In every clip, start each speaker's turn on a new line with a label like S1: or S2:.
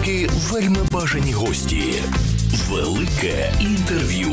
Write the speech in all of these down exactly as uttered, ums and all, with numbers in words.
S1: Деякі вельми бажані гості. Велике інтерв'ю.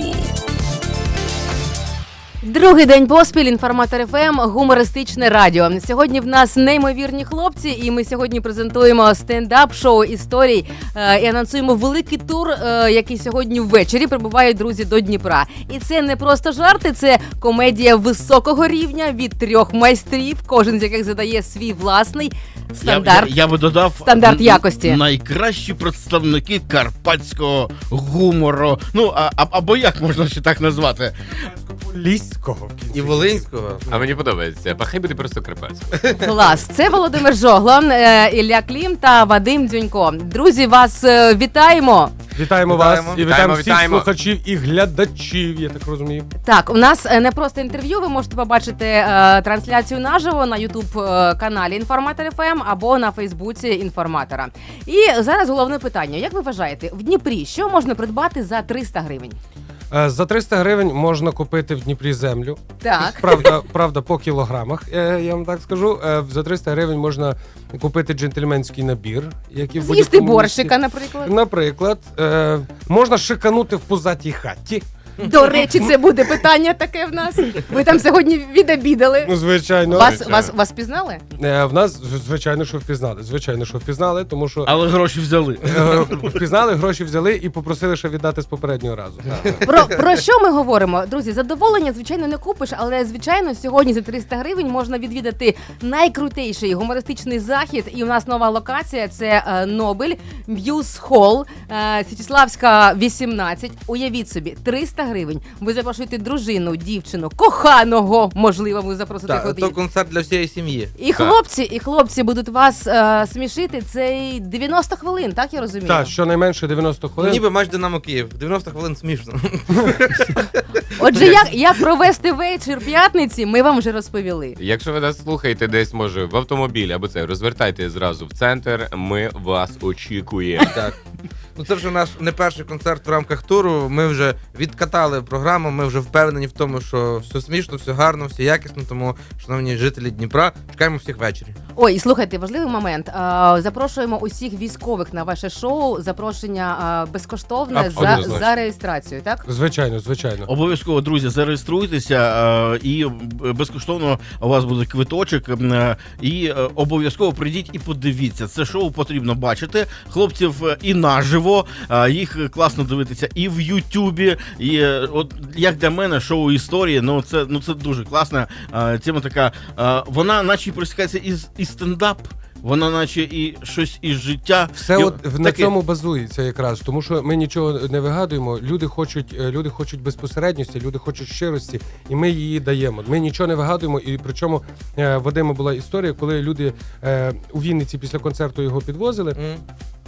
S2: Другий день поспіль, Інформатор еф ем, гумористичне радіо. Сьогодні в нас неймовірні хлопці, і ми сьогодні презентуємо стендап-шоу історій е, і анонсуємо великий тур, е, який сьогодні ввечері прибувають друзі до Дніпра. І це не просто жарти, це комедія високого рівня від трьох майстрів, кожен з яких задає свій власний стандарт.
S3: Я, я, я би додав
S2: стандарт якості.
S3: Найкращі представники карпатського гумору. Ну, а, а, або як можна ще так назвати?
S4: Ліського
S5: і Волинського.
S6: А мені подобається. Пахай буде просто Карпатський.
S2: Клас. Це Володимир Жогло, Ілля Клім та Вадим Дзюнько. Друзі, вас е, вітаємо.
S4: Вітаємо,
S5: Вітаємо.
S4: вас і вітаємо,
S6: Вітаємо,
S4: всіх
S6: вітаємо.
S4: слухачів і глядачів, я так розумію.
S2: Так, у нас е, не просто інтерв'ю, ви можете побачити е, трансляцію наживо на ютуб-каналі Інформатор еф ем або на Фейсбуці Інформатора. І зараз головне питання. Як ви вважаєте, в Дніпрі що можна придбати за триста гривень?
S4: Е, За триста гривень можна купити в Дніпрі землю.
S2: Так.
S4: Правда, правда, по кілограмах, е, я вам так скажу. Е, За триста гривень можна купити джентльменський набір, який в
S2: З'їсти
S4: будь-якому
S2: борщика,
S4: місті.
S2: наприклад.
S4: Наприклад, е, можна шиканути в пузатій хаті.
S2: До речі, це буде питання таке в нас. Ви там сьогодні відобідали.
S4: Ну, звичайно.
S2: Вас,
S6: звичайно.
S2: вас, вас пізнали?
S4: Е, В нас, звичайно, що впізнали. Звичайно, що впізнали, тому що
S3: Але гроші взяли.
S4: е, впізнали, гроші взяли і попросили ще віддати з попереднього разу.
S2: Про, про що ми говоримо? Друзі, задоволення, звичайно, не купиш, але, звичайно, сьогодні за триста гривень можна відвідати найкрутейший гумористичний захід. І у нас нова локація – це е, Нобель, М'юз Холл, е, Січеславська, вісімнадцять. Уявіть собі, триста гривень. Ви запрошуєте дружину, дівчину, коханого, можливо, ви запросите
S5: Так,
S2: куди.
S5: то концерт для всієї сім'ї.
S2: І хлопці, і хлопці будуть вас е, смішити. Це дев'яносто хвилин, так я розумію?
S4: Так, щонайменше дев'яносто
S5: Ну,
S4: хвилин.
S5: ніби матч Динамо Київ. дев'яносто хвилин смішно.
S2: Отже, як, як провести вечір п'ятниці, ми вам вже розповіли.
S6: Якщо ви нас слухаєте десь, може, в автомобілі або це, розвертайте зразу в центр, ми вас очікуємо.
S5: Так. Ну це вже наш не перший концерт в рамках туру. Ми вже відкатали програму, ми вже впевнені в тому, що все смішно, все гарно, все якісно. Тому, шановні жителі Дніпра, чекаємо всіх ввечері.
S2: Ой, і слухайте, важливий момент. А, запрошуємо усіх військових на ваше шоу. Запрошення а, безкоштовне за,
S6: Однозначно.
S2: за реєстрацію, так?
S4: Звичайно, звичайно.
S3: Обов'язково, друзі, зареєструйтеся е, і безкоштовно у вас буде квиточок. е, І е, обов'язково прийдіть і подивіться. Це шоу потрібно бачити. Хлопців е, і наживо, е, їх класно дивитися і в Ютубі. І е, от як для мене шоу історії, ну це ну це дуже класна е, тема така. Е, Вона наче пересікається із і стендап. Вона наче і щось із життя.
S4: Все
S3: І
S4: от в- на
S3: таке-
S4: цьому базується якраз, тому що ми нічого не вигадуємо. Люди хочуть, е, люди хочуть безпосередньості, люди хочуть щирості, і ми її даємо. Ми нічого не вигадуємо. І причому е, Вадима була історія, коли люди е, у Вінниці після концерту його підвозили
S5: М.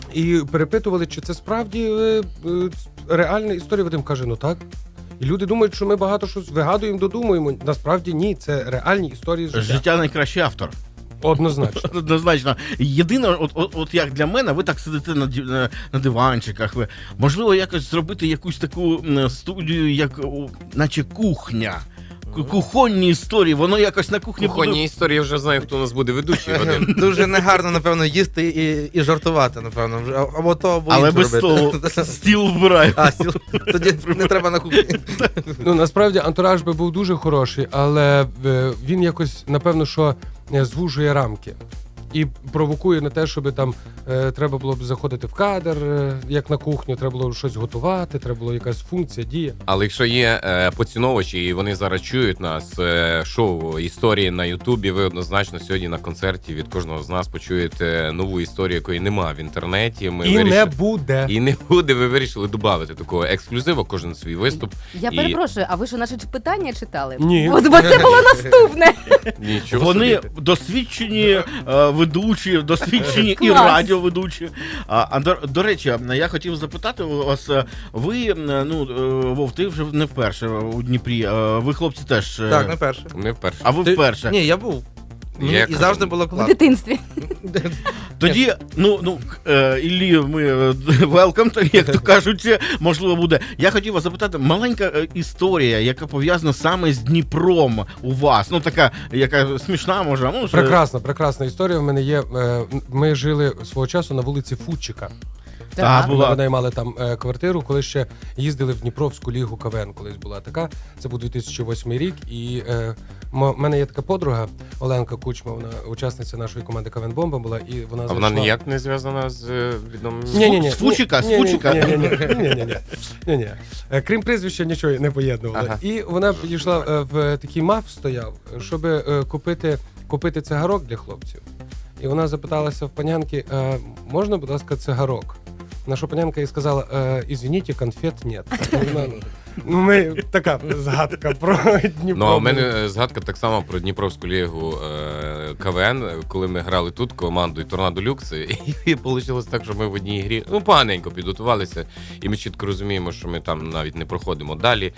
S4: і перепитували, чи це справді е, е, реальна історія. Вадим каже, ну так. І люди думають, що ми багато щось вигадуємо, додумуємо. Насправді ні, це реальні історії з життя.
S3: Життя найкращий автор.
S4: Однозначно.
S3: Однозначно. Єдине, от, от, от як для мене, ви так сидите на, ді- на, на диванчиках. Ви, можливо, якось зробити якусь таку м, студію, як о, наче кухня. Ку- Кухонні історії, воно якось на кухні
S6: Кухонні
S3: буде.
S6: історії, я вже знаю, хто у нас буде ведучий. Вадим.
S5: Дуже негарно, напевно, їсти і, і жартувати, напевно. Вже Або то, або
S3: Але
S5: інше
S3: без
S5: робити.
S3: столу. Стіл вбираю.
S5: А, стіл. Тоді не треба на кухні.
S4: Ну насправді антураж би був дуже хороший, але е, він якось напевно що е, звужує рамки. І провокує на те, щоб там е, треба було б заходити в кадр, е, як на кухню, треба було щось готувати, треба було якась функція, дія.
S6: Але якщо є е, поціновувачі, і вони зараз чують нас, е, шоу історії на Ютубі, ви однозначно сьогодні на концерті від кожного з нас почуєте нову історію, якої нема в інтернеті. Ми
S4: І
S6: вирішили...
S4: не буде.
S6: І не буде, ви вирішили додати такого ексклюзиву, кожен свій виступ.
S2: Я
S6: І-
S2: перепрошую, а ви що наші питання читали?
S4: Ні.
S2: Бо, бо це було наступне.
S6: Нічого
S3: Вони
S6: собі.
S3: досвідчені е, ведучі, досвідчені і
S2: Клас.
S3: радіоведучі. А, а до, до речі, я хотів запитати у вас, е, ви, е, ну, е, Вов, ти вже не вперше у Дніпрі, е, ви, хлопці, теж. е,
S5: Так, не перше.
S6: Ми вперше.
S3: А ви
S5: Ти-
S3: вперше.
S5: Ні, я був. Мені
S6: Я
S5: і
S6: кажу,
S5: завжди було
S2: В
S5: класно.
S2: дитинстві.
S3: Тоді, ну, ну, е, Іллі, ми велкам, як то кажуть, можливо, буде. Я хотів вас запитати, маленька е, історія, яка пов'язана саме з Дніпром у вас. Ну, така, яка смішна, може. Ну, що-
S4: Прекрасна, прекрасна історія в мене є. Е, Ми жили свого часу на вулиці Фудчика.
S3: Та,
S4: Ми
S3: була.
S4: винаймали там е, квартиру, коли ще їздили в Дніпровську лігу КВН, колись була така. Це був дві тисячі восьмий рік. І е, в мене є така подруга Оленка Кучма, вона учасниця нашої команди КВН Бомба була, і вона
S6: А
S4: зайшла...
S6: вона ніяк не зв'язана з е, відомим...
S4: Ні-ні-ні.
S3: З Фучика, з Фучика.
S4: Ні-ні-ні. Крім прізвища, нічого не поєднували.
S6: Ага.
S4: І вона підійшла е, в такий маф стояв, щоб е, купити, купити цигарок для хлопців. І вона запиталася в панянки, е, можна, будь ласка, цигарок? На що панянка їй сказала, е, извините, конфет нет. Вона, ну, ми, така згадка про Дніпро.
S6: Ну, а у мене е, згадка так само про Дніпровську лігу е, КВН, коли ми грали тут командою Торнадо Люкс, і, і вийшло так, що ми в одній грі ну, поганенько підготувалися, і ми чітко розуміємо, що ми там навіть не проходимо далі.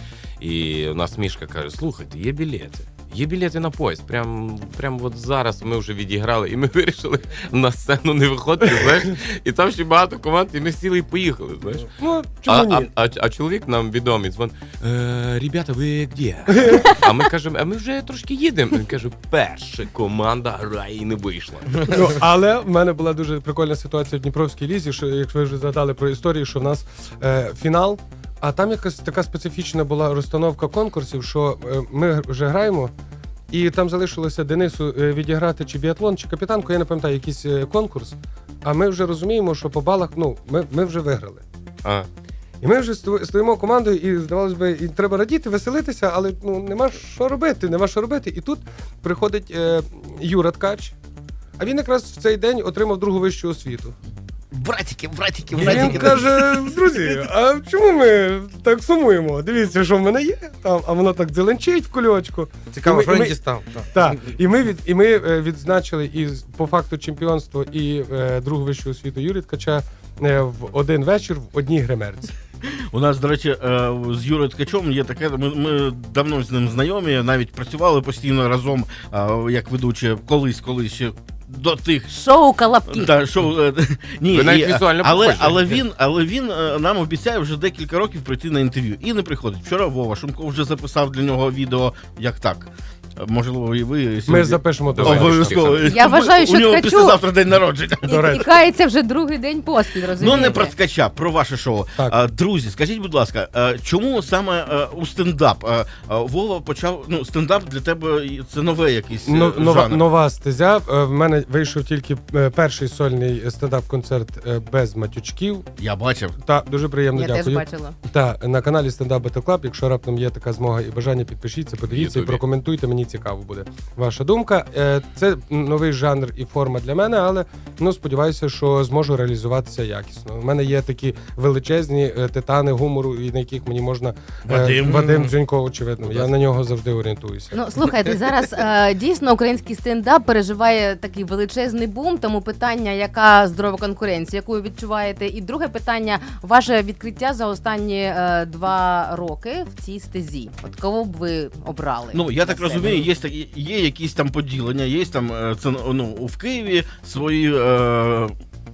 S6: І у нас Мішка каже, слухайте, є білети. Є білети на поїзд. Прям, прям от зараз ми вже відіграли, і ми вирішили на сцену не виходити, знаєш. І там ще багато команд, і ми сіли і поїхали, знаєш.
S4: Ну,
S6: А,
S4: чому
S6: а,
S4: ні?
S6: а, а чоловік нам відомий, дзвон, е, ребята, ви де? А ми кажемо, а ми вже трошки їдемо. Він каже, перша команда грає і не вийшла.
S4: Ну, але в мене була дуже прикольна ситуація в Дніпровській лізі, що, якщо ви вже згадали про історію, що в нас е, фінал, а там якась така специфічна була розстановка конкурсів, що е, ми вже граємо, і там залишилося Денису е, відіграти чи біатлон, чи капітанку, я не пам'ятаю, якийсь е, конкурс, а ми вже розуміємо, що по балах, ну, ми, ми вже виграли.
S6: А,
S4: І ми вже сто- стоїмо командою, і здавалось би, і треба радіти, веселитися, але ну нема що робити, нема що робити. І тут приходить е, Юра Ткач, а він якраз в цей день отримав другу вищу освіту.
S3: Братики, братики,
S4: І він
S3: братики.
S4: каже: друзі, а чому ми так сумуємо? Дивіться, що в мене є там, а воно так дзеленчить в кульочку.
S5: Цікаво,
S4: І ми-
S5: що
S4: і
S5: він
S4: ми-
S5: дістав. Так.
S4: Так, і ми від і ми е, відзначили і з- по факту чемпіонство і е, другу вищу освіту Юрія Ткача е, в один вечір в одній гримерці.
S3: У нас, до речі, е, з Юрою Ткачом є таке. Ми, ми давно з ним знайомі, навіть працювали постійно разом, е, як ведучі, колись, колись ще до тих.
S2: Шоу «Колобки».
S3: Та, шоу, е, ні,
S6: Ви навіть
S3: і,
S6: візуально
S3: але,
S6: похожі.
S3: але він, але він е, нам обіцяє вже декілька років прийти на інтерв'ю і не приходить. Вчора Вова Шумко вже записав для нього відео, як так. Е, Можливо, і ви
S4: Ми
S3: сьогодні-
S4: запишемо до
S6: Давай.
S3: Обов'язково.
S2: Я вважаю, що
S3: у нього
S2: Ткачу-
S3: післязавтра день народження.
S2: І,
S4: До
S2: і
S4: речі.
S2: кається вже другий день поспіль, розумієте?
S3: Ну, не про Ткача, про ваше шоу.
S4: Так.
S3: А, друзі, скажіть, будь ласка, а, чому саме а, у стендап? А, а, Вова почав, ну, стендап для тебе і це нове якийсь е,
S4: Но- нова,
S3: жанр.
S4: нова стезя. Е, В мене вийшов тільки е, перший сольний стендап-концерт е, без матючків.
S3: Я бачив.
S4: Та дуже приємно
S2: Я теж
S4: дякую.
S2: бачила.
S4: Та на каналі Stand Up Battle Club, якщо раптом є така змога і бажання, підпишіться, подивіться і
S6: Ютубі.
S4: прокоментуйте. Мені цікаво буде ваша думка. Е, Це новий жанр і форма для мене, але ну сподіваюся, що зможу реалізуватися якісно. У мене є такі величезні е, титани гумору, і на яких мені можна е,
S3: Вадим.
S4: Вадим Дзюнько, очевидно.
S3: Будь
S4: Я
S3: ласка.
S4: на нього завжди орієнтуюся.
S2: Ну, слухайте, зараз е, дійсно український стендап переживає такий величезний бум, тому питання, яка здорова конкуренція, яку ви відчуваєте? І друге питання, ваше відкриття за останні е, два роки в цій стезі. От кого б ви обрали?
S3: Ну, я так
S2: для себе?
S3: розумію, є, такі- є якісь там поділення, є там е, це, ну, в Києві свої е,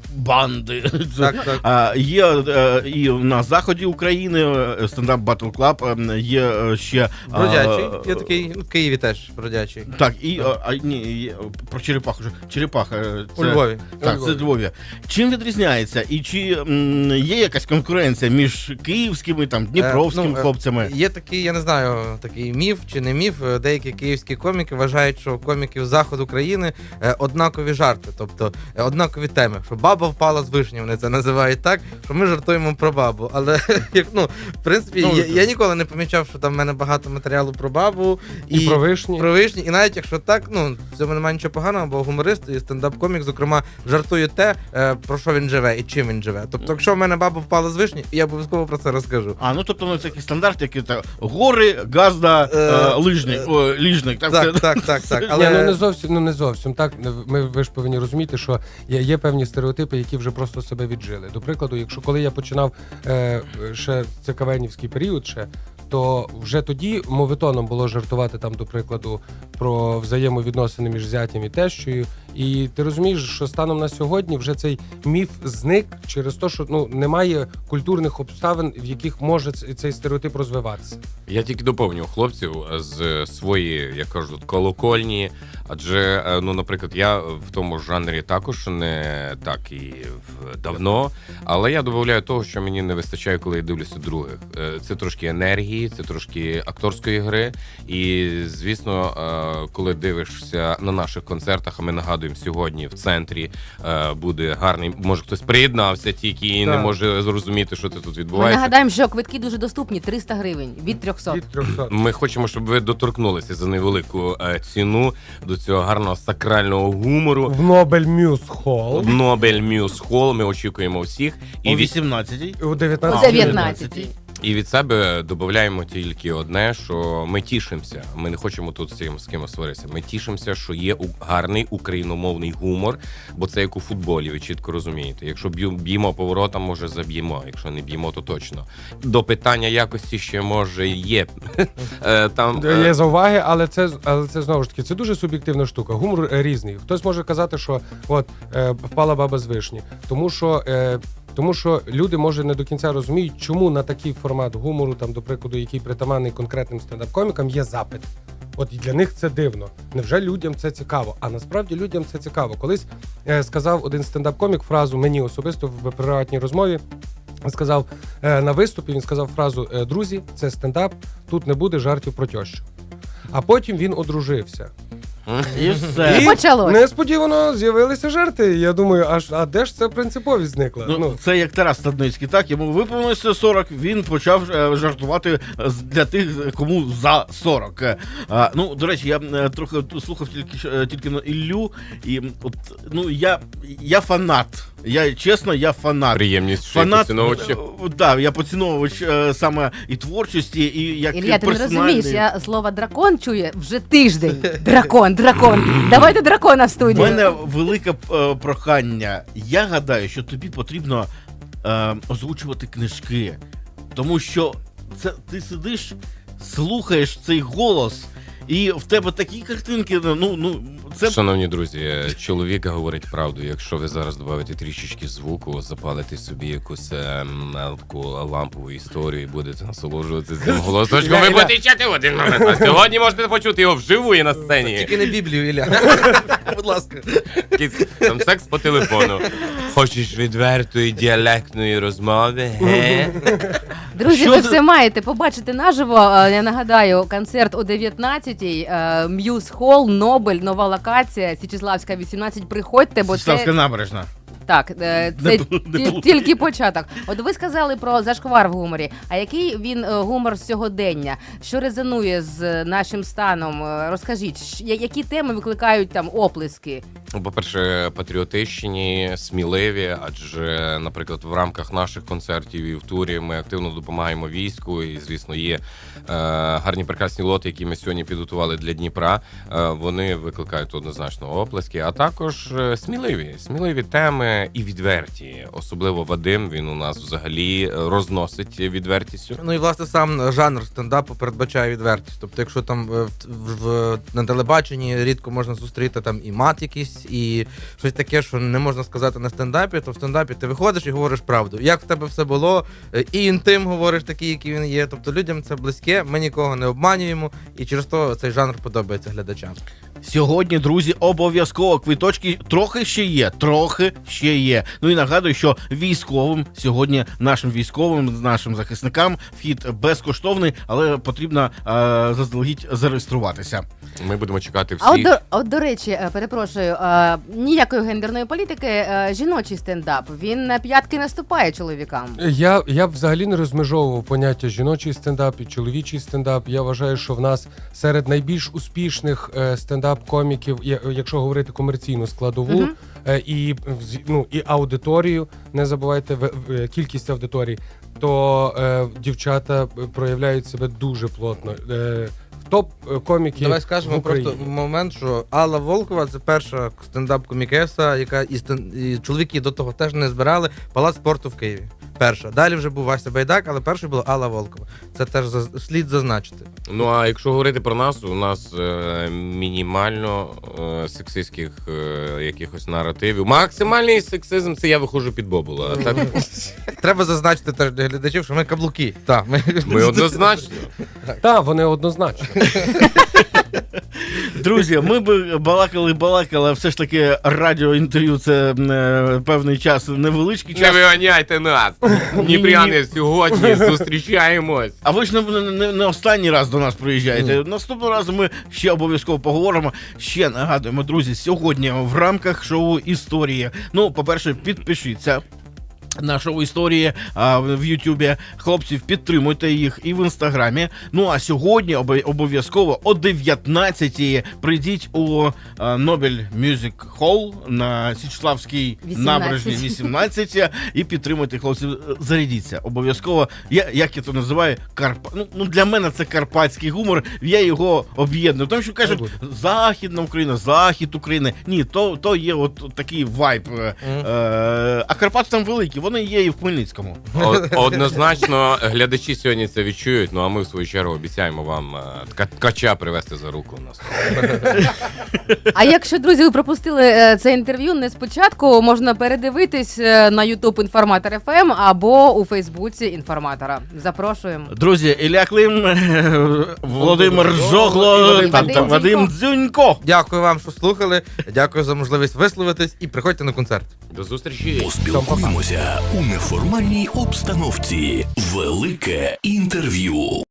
S3: банди.
S5: Так, так.
S3: А, є е, і на заході України е, стендап Battle Club, е, є е, ще... а,
S5: Бродячий.
S3: е,
S5: Є такий, ну, в Києві теж бродячий.
S3: Так, і а, а, ні, є, про черепаху вже. Черепаха. е,
S5: У
S3: це-
S5: Львові.
S3: Так, це Львові. Чим відрізняється? І чи м, є якась конкуренція між київськими, там, дніпровськими
S5: Е, ну, е,
S3: хлопцями?
S5: Є такий, я не знаю, такий міф чи не міф. е, Деякі київські коміки вважають, що у коміків заходу країни е, однакові жарти, тобто е, однакові теми. Що баба впала з вишні, вони це називають так, що ми жартуємо про бабу. Але як ну, в принципі,
S3: Ну,
S5: я, я ніколи не помічав, що там в мене багато матеріалу про бабу
S4: І, про вишні.
S5: Про вишні, і навіть якщо так, ну в цьому немає нічого поганого, бо гуморист і стендап-комік, зокрема, жартує те, е, про що він живе і чим він живе. Тобто, якщо в мене баба впала з вишні, я обов'язково про це розкажу.
S3: А, ну тобто ну, такий стандарт, який так, гори, газда,
S5: Е,
S3: е, лижник,
S5: е,
S3: о, ліжник. Так,
S5: Так,
S3: це-
S5: так, так, так.
S4: Ні,
S5: Але
S4: ну не зовсім, ну не зовсім так. Ми ви ж повинні розуміти, що є, є певні стереотипи, які вже просто себе віджили. До прикладу, якщо коли я починав е, ще це кавенівський період, ще то вже тоді мовитоном було жартувати там, до прикладу, про взаємовідносини між зятям і тещою. І ти розумієш, що станом на сьогодні вже цей міф зник через те, що ну немає культурних обставин, в яких може цей стереотип розвиватися.
S6: Я тільки доповню хлопців з своєї, як кажуть, колокольні. Адже, ну, наприклад, я в тому жанрі також не так і давно, але я додаю того, що мені не вистачає, коли я дивлюся других. Це трошки енергії, це трошки акторської гри. І, звісно, коли дивишся на наших концертах, а ми нагадуємо, сьогодні в центрі буде гарний, може хтось приєднався тільки і
S4: так.
S6: не може зрозуміти, що це тут
S2: Ми
S6: відбувається.
S2: нагадаємо, що квитки дуже доступні, триста гривень від трьохсот.
S4: Від трьохсот.
S6: Ми хочемо, щоб ви доторкнулися за невелику е, ціну до цього гарного сакрального гумору.
S4: В Нобель Мюз Холл
S6: В Нобель Мюз Холл ми очікуємо всіх. І
S3: О
S6: від,
S3: вісімнадцятій.
S4: у
S2: О
S4: дев'ятнадцятій.
S2: дев'ятнадцятій.
S6: і від себе додаємо тільки одне, що ми тішимося. Ми не хочемо тут з ким, з кимось сваритися. Ми тішимося, що є у- гарний україномовний гумор, бо це як у футболі, ви чітко розумієте. Якщо б'ю- б'ємо поворотом, може заб'ємо. Якщо не б'ємо, то точно. До питання якості ще може є. Е, Там е,
S4: Є зауваги, але це але це знову ж таки це дуже суб'єктивна штука. Гумор е, різний. Хтось може казати, що от е, впала баба з вишні, тому що. Е, Тому що люди, може, не до кінця розуміють, чому на такий формат гумору, там, до прикладу, який притаманний конкретним стендап-комікам, є запит. От і для них це дивно. Невже людям це цікаво? А насправді людям це цікаво. Колись е, сказав один стендап-комік фразу мені особисто в приватній розмові. Сказав е, на виступі, він сказав фразу е, «Друзі, це стендап, тут не буде жартів про тещу». А потім він одружився.
S3: І все.
S2: І почалось.
S4: Несподівано з'явилися жарти. Я думаю, аж а де ж ця принциповість зникла?
S3: Ну, це як Тарас Стадницький, так? Йому виповнилося сорок, він почав е, жартувати з- для тих, кому за сорок. Е, А, ну, до речі, я е, трохи слухав тільки, що- е, тільки на Іллю, і от, ну, я, я фанат. Я, чесно, я фанат.
S6: приємність, що є
S3: Фанат,
S6: поціновувачі.
S3: е, да, я поціновувач е, саме і творчості, і як
S2: Ілля, ти не
S3: персональний.
S2: розумієш, я слово дракон чую вже тиждень. Дракон, дракон. Давайте дракона в
S3: У
S2: студію.
S3: мене велике е, прохання. Я гадаю, що тобі потрібно е, озвучувати книжки, тому що це ти сидиш, слухаєш цей голос, і в тебе такі картинки. Ну ну це
S6: Шановні друзі, чоловік говорить правду. Якщо ви зараз додаєте трішечки звуку, запалите собі якусь ем, таку лампову історію і будете насолоджуватися цим голосочком, ви будете чати в один момент. А сьогодні можете почути його вживу і на сцені.
S5: Тільки не Біблію, Ілля. Будь ласка.
S6: Якийсь там секс по телефону. Хочеш відвертої діалектної розмови? Ге?
S2: Друзі,
S3: Що
S2: ви
S3: за-
S2: все маєте побачити наживо. Е, Я нагадаю, концерт о дев'ятнадцятій, е, М'юз Холл, Нобель, нова локація, Січеславська, вісімнадцять. Приходьте, бо
S3: Ставська
S2: це
S3: набережна.
S2: так, е, це
S3: Не пл- не
S2: ті-
S3: плутай.
S2: тільки початок. От ви сказали про зашквар в гуморі. А який він е, гумор сьогодення? Що резонує з нашим станом? Е, Розкажіть, щ- я- які теми викликають там оплески?
S6: Ну, по-перше, патріотичні, сміливі, адже, наприклад, в рамках наших концертів і в турі ми активно допомагаємо війську. І, звісно, є е, гарні прекрасні лоти, які ми сьогодні підготували для Дніпра. Е, вони викликають однозначно оплески, а також е, сміливі, сміливі теми і відверті. Особливо Вадим, він у нас взагалі розносить відвертістю.
S5: Ну і власне сам жанр стендапу передбачає відвертість. Тобто, якщо там е, в, в, на телебаченні рідко можна зустріти там і мат якийсь, і щось таке, що не можна сказати на стендапі, то в стендапі ти виходиш і говориш правду. Як в тебе все було, е, і інтим говориш такий, який він є. Тобто людям це близьке, ми нікого не обманюємо, і через то цей жанр подобається глядачам.
S3: Сьогодні, друзі, обов'язково квиточки трохи ще є, трохи ще є. Ну і нагадую, що військовим сьогодні, нашим військовим, нашим захисникам вхід безкоштовний, але потрібно е, заздалегідь зареєструватися.
S6: Ми будемо чекати
S2: А от
S6: всіх.
S2: до, от, до речі, е, перепрошую, е, ніякої гендерної політики, е, жіночий стендап, він на п'ятки наступає чоловікам.
S4: Я, я б взагалі не розмежовував поняття жіночий стендап і чоловічий стендап. Я вважаю, що в нас серед найбільш успішних е, стендап-коміків, я- якщо говорити комерційну складову,
S2: Мгм.
S4: е, і, вз- ну, і аудиторію, не забувайте в, в- кількість аудиторій, то е, дівчата проявляють себе дуже плотно. Е, топ-коміки
S5: Давай
S4: в
S5: скажемо
S4: Україні.
S5: просто момент, що Алла Волкова це перша стендап-комікеса, яка і, стен... і чоловіки до того теж не збирали Палац спорту в Києві. перша. Далі вже був Вася Байдак, але першою була Алла Волкова. Це теж заз- слід зазначити.
S6: Ну а якщо говорити про нас, у нас е, мінімально е, сексистських е, якихось наративів. Максимальний сексизм це я виходжу під Бобула. А так
S5: Треба зазначити теж для глядачів, що ми каблуки. Так, ми...
S6: ми однозначно.
S4: Так, вони однозначно.
S3: Друзі, ми би балакали, балакали, а все ж таки радіоінтерв'ю це е, певний час, невеличкий
S6: Не
S3: час.
S6: виганяйте нас! Дніпряни сьогодні зустрічаємось.
S3: А ви ж не, не, не останній раз до нас приїжджаєте. Наступного разу ми ще обов'язково поговоримо. Ще нагадуємо, друзі, сьогодні в рамках шоу «Історія». Ну, по-перше, підпишіться на шоу «Історії» а, в Ютубі. Хлопців, підтримуйте їх і в Інстаграмі. Ну, а сьогодні обо- обов'язково о дев'ятнадцятій прийдіть у а, Нобель Мюзик Холл на Січеславській
S2: вісімнадцять.
S3: набережній вісімнадцять і підтримуйте хлопців. Зарядіться. Обов'язково. Я, як я то називаю, Карпа... ну, ну, для мене це карпатський гумор. Я його об'єдную. Тому що кажуть, Західна Україна, Захід України. Ні, то, то є от такий вайб. Е, е, а Карпати там великі. Вони є і в Хмельницькому.
S6: О- Однозначно, глядачі сьогодні це відчують. Ну а ми в свою чергу обіцяємо вам е, ткача ткача привезти за руку у нас.
S2: А якщо, друзі, ви пропустили е, це інтерв'ю не спочатку, можна передивитись е, на Ютуб Інформатор еф ем або у Фейсбуці Інформатора. Запрошуємо.
S3: Друзі, Ілля Клим, е, Володимир Жогло
S2: Вадим
S3: та, та
S2: Дзюнько.
S3: Вадим Дзюнько.
S5: Дякую вам, що слухали. Дякую за можливість висловитись і приходьте на концерт.
S6: До зустрічі!
S1: Поспілкуємося у неформальній обстановці. Велике інтерв'ю.